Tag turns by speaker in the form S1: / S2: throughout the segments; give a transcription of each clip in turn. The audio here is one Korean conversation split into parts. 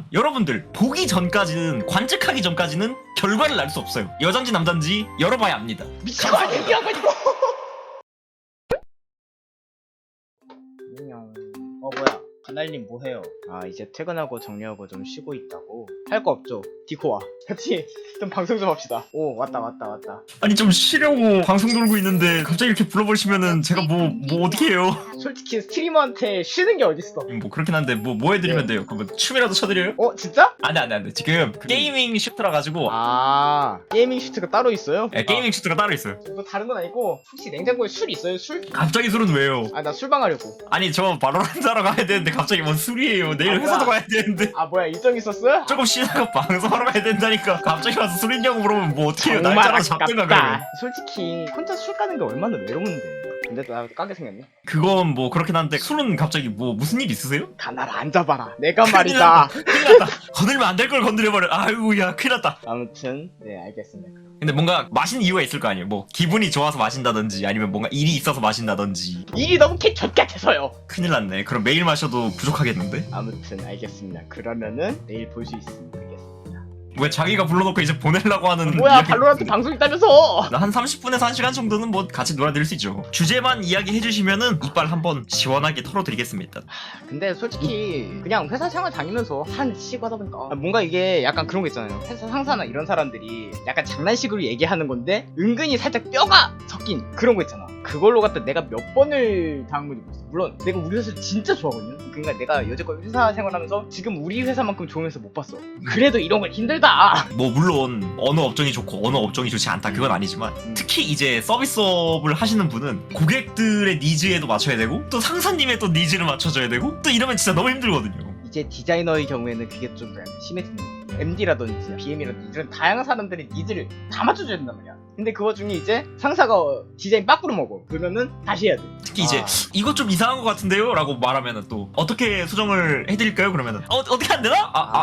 S1: 하지만 여러분들 보기 전까지는 관측하기 전까지는 결과를 알 수 없어요. 여잔지 남잔지 열어봐야 압니다.
S2: 미친 거 아니야 얘기해가지고. 안녕. 뭐야 가날님 뭐해요? 아 이제 퇴근하고 정리하고 좀 쉬고 있다고. 할 거 없죠? 디코 와. 같이 좀 방송 좀 합시다. 오 왔다.
S1: 아니 좀 쉬려고 방송 돌고 있는데 갑자기 이렇게 불러버리시면은 제가 뭐 어떻게 해요?
S2: 솔직히 스트리머한테 쉬는 게 어딨어.
S1: 뭐 그렇긴 한데 뭐 해드리면 돼요? 그럼 뭐 춤이라도 춰드려요?
S2: 진짜?
S1: 안돼 지금 게이밍 슈트라 가지고
S2: 아 게이밍 슈트가 따로 있어요?
S1: 게이밍 슈트가 따로 있어요.
S2: 뭐 다른 건 아니고 혹시 냉장고에 술 있어요? 술?
S1: 갑자기 술은 왜요?
S2: 아 나 술방 하려고.
S1: 아니 저 바로란트 하러 가야 되는데 갑자기 뭔 술이에요? 내일 회사도 가야 되는데
S2: 아 뭐야 일정 있었어?
S1: 조금 쉬다가 방송하러 가야 된다니까. 갑자기 와서 술 있냐고 물어보면 뭐 어떻게 해요?
S2: 정말
S1: 날짜라도 잡든가 그러면.
S2: 아깝다. 솔직히 혼자 술 까는 게 얼마나 외로운데. 근데 나 까게 생겼네.
S1: 그건 뭐 그렇긴 한데 술은 갑자기 뭐 무슨 일 있으세요?
S2: 가나를 앉아봐라. 내가
S1: 큰일
S2: 말이다.
S1: 큰일 났다. 건들면 안 될 걸 건드려버려. 아이고 야 큰일 났다.
S2: 아무튼 네 알겠습니다.
S1: 근데 뭔가 마시는 이유가 있을 거 아니에요. 뭐 기분이 좋아서 마신다든지 아니면 뭔가 일이 있어서 마신다든지.
S2: 일이 너무 개젖 같아서요.
S1: 큰일 났네. 그럼 매일 마셔도 부족하겠는데?
S2: 아무튼 알겠습니다. 그러면은 내일 볼 수 있으면 되겠습니다.
S1: 왜 자기가 불러놓고 이제 보내려고 하는
S2: 뭐야
S1: 이야기-
S2: 발로란트 방송 있다면서?
S1: 한 30분에서 1시간 정도는 뭐 같이 놀아드릴 수 있죠. 주제만 이야기해주시면은 이빨 한번 시원하게 털어드리겠습니다.
S2: 근데 솔직히 그냥 회사 생활 다니면서 한 시고 하다 보니까 뭔가 이게 약간 그런 거 있잖아요. 회사 상사나 이런 사람들이 약간 장난식으로 얘기하는 건데 은근히 살짝 뼈가 섞인 그런 거 있잖아. 그걸로 갖다 내가 몇 번을 당한 건지 모르겠어. 물론 내가 우리 회사 진짜 좋아하거든요. 그러니까 내가 여태껏 회사 생활하면서 지금 우리 회사만큼 좋은 회사 못 봤어. 그래도 이런 건 힘들다.
S1: 뭐 물론 어느 업종이 좋고 어느 업종이 좋지 않다 그건 아니지만 특히 이제 서비스업을 하시는 분은 고객들의 니즈에도 맞춰야 되고 또 상사님의 또 니즈를 맞춰줘야 되고 또 이러면 진짜 너무 힘들거든요.
S2: 이제 디자이너의 경우에는 그게 좀 약간 심해지는 거야. MD라든지 BM이라든지 이런 다양한 사람들의 니즈를 다 맞춰줘야 된단 말이야. 근데 그 와중에 이제 상사가 디자인 빠꾸로 먹어. 그러면은 다시 해야 돼.
S1: 특히 이제 이거 좀 이상한 것 같은데요? 라고 말하면은 또 어떻게 수정을 해드릴까요? 그러면은 어떻게 안 되나?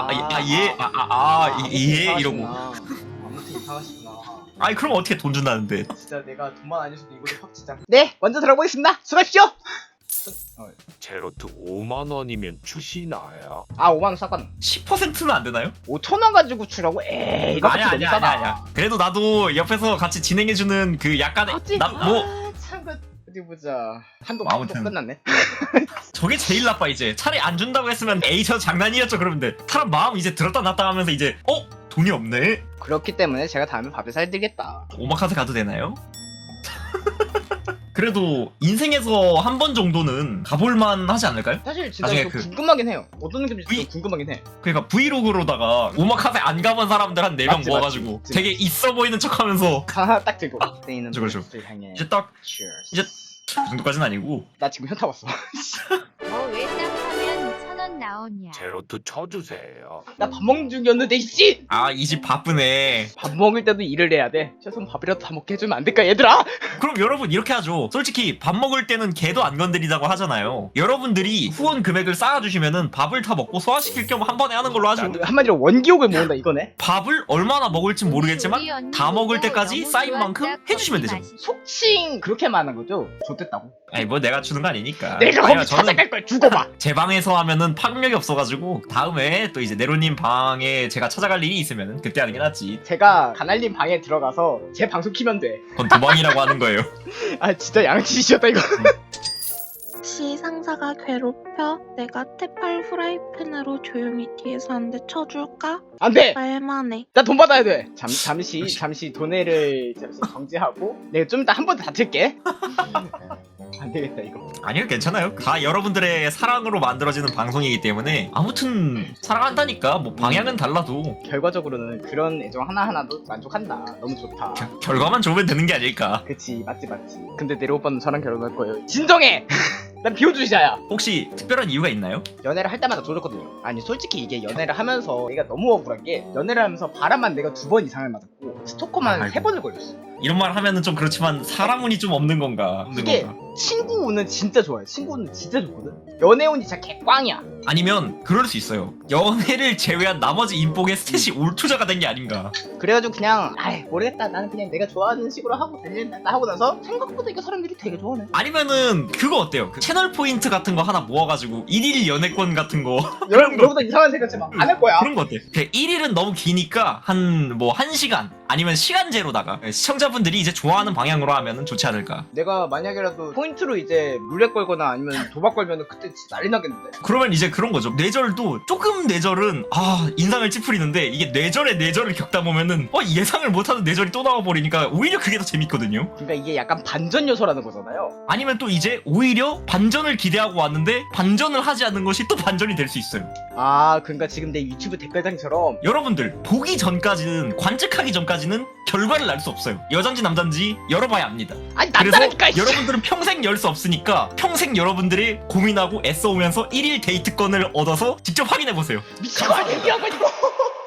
S1: 예 이러고
S2: 아무튼 이상하시구나.
S1: 아니 그럼 어떻게 돈 준다는데.
S2: 진짜 내가 돈만 안 줬어도 이거를 확 진짜. 네 먼저 들어보겠습니다. 수고하십시오.
S3: 제로트 5만원이면 주시나요?
S2: 아 5만원 싹가능.
S1: 10%는 안 되나요?
S2: 5천원 가지고 주라고? 에이 이거
S1: 아니야. 그래도 나도 옆에서 같이 진행해주는 그 약간의
S2: 참 어디 보자. 한도
S1: 아무튼.
S2: 끝났네.
S1: 저게 제일 나빠 이제. 차라리 안 준다고 했으면 에이 저 장난이었죠 그러면 돼. 사람 마음 이제 들었다 놨다 하면서 이제 돈이 없네?
S2: 그렇기 때문에 제가 다음에 밥을 사드리겠다.
S1: 오마카세 가도 되나요? 그래도 인생에서 한 번 정도는 가볼만 하지 않을까요?
S2: 사실 진짜
S1: 나중에
S2: 좀
S1: 그-
S2: 궁금하긴 해요. 어떤 느낌인지 좀 궁금하긴 해.
S1: 그러니까 브이로그로다가 오마카세 안 가본 사람들 한 4명
S2: 맞지,
S1: 모아가지고
S2: 맞지.
S1: 되게 있어 보이는 척 하면서
S2: 하나 딱 들고 스테이는
S1: 그렇죠.
S2: 를 향해.
S1: 이제 딱
S2: Cheers.
S1: 이제 그 정도까지는 아니고
S2: 나 지금 현타 왔어.
S4: 왜 딱 하면 1,000원 나오냐?
S3: 제로트 쳐주세요.
S2: 나 밥 먹는 중이었는데 이씨.
S1: 이 집 바쁘네.
S2: 밥 먹을 때도 일을 해야 돼. 최소한 밥이라도 다 먹게 해주면 안 될까 얘들아?
S1: 그럼 여러분 이렇게 하죠. 솔직히 밥 먹을 때는 개도 안 건드리자고 하잖아요. 여러분들이 후원 금액을 쌓아주시면은 밥을 다 먹고 소화시킬 겸 한 번에 하는 걸로 하죠.
S2: 한마디로 원기옥을 모은다 이거네.
S1: 밥을 얼마나 먹을진 모르겠지만 다 먹을 때까지 쌓인 만큼 해주시면 되죠.
S2: 속칭 그렇게만 하는 거죠? 좋댔다고.
S1: 아니 뭐 내가 주는 거 아니니까.
S2: 내가
S1: 아니요,
S2: 거기 찾아갈 걸 죽어봐.
S1: 제 방에서 하면은 파급력이 없어가지고 다음에 또 이제 네로님 방에 제가 찾아갈 일이 있으면은 그때 하는 게 낫지.
S2: 제가 가날님 방에 들어가서 제 방송 키면 돼.
S1: 그건 도망이라고 하는 거예요.
S2: 아 진짜 양치시였다 이거.
S5: 혹시 상사가 괴롭혀? 내가 테팔 프라이팬으로 조용히 뒤에서 한 대 쳐줄까?
S2: 안돼.
S5: 말만해.
S2: 나 돈 받아야 돼. 잠시 돈을 정지하고 내가 좀 이따 한 번 더 다툴게. 안 되겠다 이거.
S1: 아니요 괜찮아요. 다 여러분들의 사랑으로 만들어지는 방송이기 때문에 아무튼 사랑한다니까 뭐 방향은 달라도
S2: 결과적으로는 그런 애정 하나하나도 만족한다. 너무 좋다.
S1: 결과만 좋으면 되는 게 아닐까.
S2: 그치 맞지. 근데 내려 오빠는 저랑 결혼할 거예요. 진정해. 난 비호주의자야.
S1: 혹시 특별한 이유가 있나요?
S2: 연애를 할 때마다 조졌거든요. 아니 솔직히 이게 연애를 하면서 내가 너무 억울한 게 연애를 하면서 바람만 내가 2번 이상을 맞았고 스토커만
S1: 아이고.
S2: 3번을 걸렸어.
S1: 이런 말 하면은 좀 그렇지만 사람 운이 좀 없는 건가? 없는
S2: 이게
S1: 건가?
S2: 친구 운은 진짜 좋아요. 친구 운은 진짜 좋거든. 연애 운이 진짜 개꽝이야.
S1: 아니면 그럴 수 있어요. 연애를 제외한 나머지 인복의 스탯이 올투자가 된 게 아닌가.
S2: 그래가지고 그냥 아이 모르겠다. 나는 그냥 내가 좋아하는 식으로 하고 달린다 하고 나서 생각보다 이게 사람들이 되게 좋아하네.
S1: 아니면은 그거 어때요? 그 채널 포인트 같은 거 하나 모아가지고 1일 연애권 같은 거
S2: 여러분들 이상한 생각 하지 마. 안 할 거야.
S1: 그런 거 어때? 1일은 너무 기니까 한 1시간 아니면 시간제로다가 시청자분들이 이제 좋아하는 방향으로 하면은 좋지 않을까.
S2: 내가 만약에라도 포인트로 이제 물레 걸거나 아니면 도박 걸면은 그때 진짜 난리 나겠는데.
S1: 그러면 이제 그런 거죠. 뇌절도 조금 뇌절은 인상을 찌푸리는데 이게 뇌절에 뇌절을 겪다 보면은 예상을 못하는 뇌절이 또 나와버리니까 오히려 그게 더 재밌거든요.
S2: 그러니까 이게 약간 반전 요소라는 거잖아요.
S1: 아니면 또 이제 오히려 반전을 기대하고 왔는데 반전을 하지 않는 것이 또 반전이 될 수 있어요.
S2: 아 그러니까 지금 내 유튜브 댓글장처럼
S1: 여러분들 보기 전까지는 관측하기 전까지는 결과를 알 수 없어요. 여잔지 남잔지 열어봐야 압니다.
S2: 아니
S1: 그래서
S2: 남자라니까.
S1: 여러분들은 평생 열 수 없으니까 평생 여러분들이 고민하고 애써오면서 1일 데이트권을 얻어서 직접 확인해보세요.
S2: 미친 거 아니야 이거.